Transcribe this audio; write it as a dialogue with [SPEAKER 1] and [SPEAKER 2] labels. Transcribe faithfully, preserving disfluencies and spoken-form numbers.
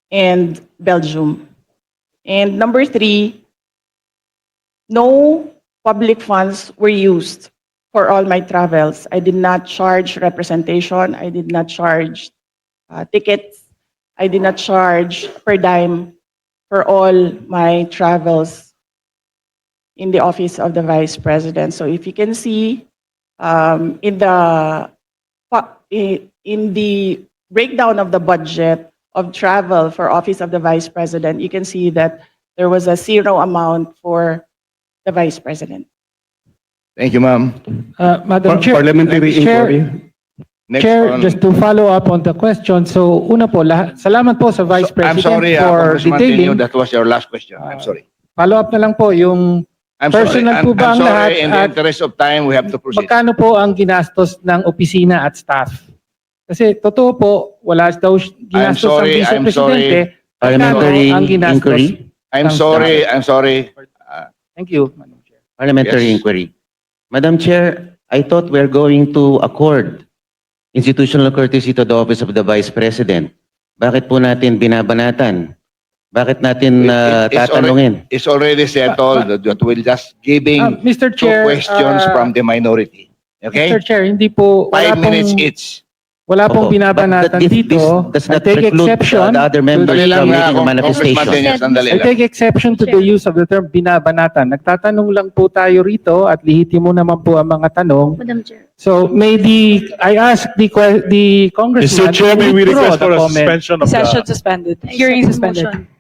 [SPEAKER 1] and Belgium. And number three, no public funds were used for all my travels. I did not charge representation. I did not charge uh, tickets. I did not charge per dime for all my travels in the office of the Vice President. So if you can see um, in the in the breakdown of the budget of travel for Office of the Vice President, you can see that there was a zero amount for the Vice President.
[SPEAKER 2] Thank you, ma'am.
[SPEAKER 3] Uh, Madam
[SPEAKER 4] Par-
[SPEAKER 3] Chair,
[SPEAKER 4] Parliamentary
[SPEAKER 3] Chair,
[SPEAKER 4] inquiry.
[SPEAKER 2] Next
[SPEAKER 3] Chair,
[SPEAKER 2] on-
[SPEAKER 3] just to follow up on the question. So, una po, lahat, salamat po sa Vice
[SPEAKER 2] So, I'm
[SPEAKER 3] President
[SPEAKER 2] sorry, uh,
[SPEAKER 3] for
[SPEAKER 2] Congressman
[SPEAKER 3] detailing.
[SPEAKER 2] Tenyo, that was your last question. I'm
[SPEAKER 3] Uh,
[SPEAKER 2] sorry.
[SPEAKER 3] Follow up na lang po yung
[SPEAKER 2] I'm
[SPEAKER 3] personal
[SPEAKER 2] sorry.
[SPEAKER 3] po
[SPEAKER 2] I'm,
[SPEAKER 3] ba
[SPEAKER 2] I'm
[SPEAKER 3] ang lahat
[SPEAKER 2] sorry. In the
[SPEAKER 3] at-
[SPEAKER 2] interest of time, we have to proceed.
[SPEAKER 3] magkano po ang ginastos ng opisina at staff? Kasi totoo po, wala daw sh-
[SPEAKER 2] I'm
[SPEAKER 3] ginastos
[SPEAKER 2] sorry,
[SPEAKER 3] ang Vice
[SPEAKER 2] I'm
[SPEAKER 3] Presidente.
[SPEAKER 2] sorry.
[SPEAKER 5] Parliamentary
[SPEAKER 3] Magkano ang ginastos?
[SPEAKER 5] inquiry.
[SPEAKER 2] I'm
[SPEAKER 3] ng
[SPEAKER 2] sorry.
[SPEAKER 3] staff?
[SPEAKER 2] I'm sorry. Uh,
[SPEAKER 3] Thank you, Madam Chair.
[SPEAKER 5] Parliamentary
[SPEAKER 2] Yes.
[SPEAKER 5] inquiry. Madam Chair, I thought we're going to accord institutional courtesy to the office of the Vice President. Bakit po natin binabanatan? Bakit natin uh,
[SPEAKER 2] It- it's
[SPEAKER 5] tatanungin?
[SPEAKER 2] it's already settled that that we'll just giving
[SPEAKER 3] Ah, Mister
[SPEAKER 2] two
[SPEAKER 3] Chair,
[SPEAKER 2] questions
[SPEAKER 3] ah,
[SPEAKER 2] from the minority. Okay?
[SPEAKER 3] Mister Chair, hindi po, wala
[SPEAKER 2] Five minutes
[SPEAKER 3] pong,
[SPEAKER 2] each.
[SPEAKER 3] wala pong
[SPEAKER 5] Opo.
[SPEAKER 3] binabanatan
[SPEAKER 5] But that- this-
[SPEAKER 3] dito.
[SPEAKER 5] this does
[SPEAKER 3] I
[SPEAKER 5] not
[SPEAKER 3] take
[SPEAKER 5] preclude
[SPEAKER 3] exception.
[SPEAKER 5] the other members
[SPEAKER 2] Dali lang,
[SPEAKER 5] from
[SPEAKER 2] ah,
[SPEAKER 5] making a
[SPEAKER 2] Congressman
[SPEAKER 5] manifestation.
[SPEAKER 2] Tenyo, sandali
[SPEAKER 3] I
[SPEAKER 2] lang.
[SPEAKER 3] take exception to the use of the term binabanatan. Nagtatanong lang po tayo rito at lihitimo naman po ang mga tanong.
[SPEAKER 6] Madam Chair.
[SPEAKER 3] So may the, I ask the, que- the
[SPEAKER 4] Mister
[SPEAKER 3] congressman
[SPEAKER 4] Chair, may we
[SPEAKER 3] to withdraw
[SPEAKER 4] request for
[SPEAKER 3] the
[SPEAKER 4] a
[SPEAKER 3] comment.
[SPEAKER 4] suspension of
[SPEAKER 7] Session
[SPEAKER 4] the...
[SPEAKER 7] suspended.
[SPEAKER 6] I
[SPEAKER 7] Hearing
[SPEAKER 6] second
[SPEAKER 7] suspended.
[SPEAKER 6] motion.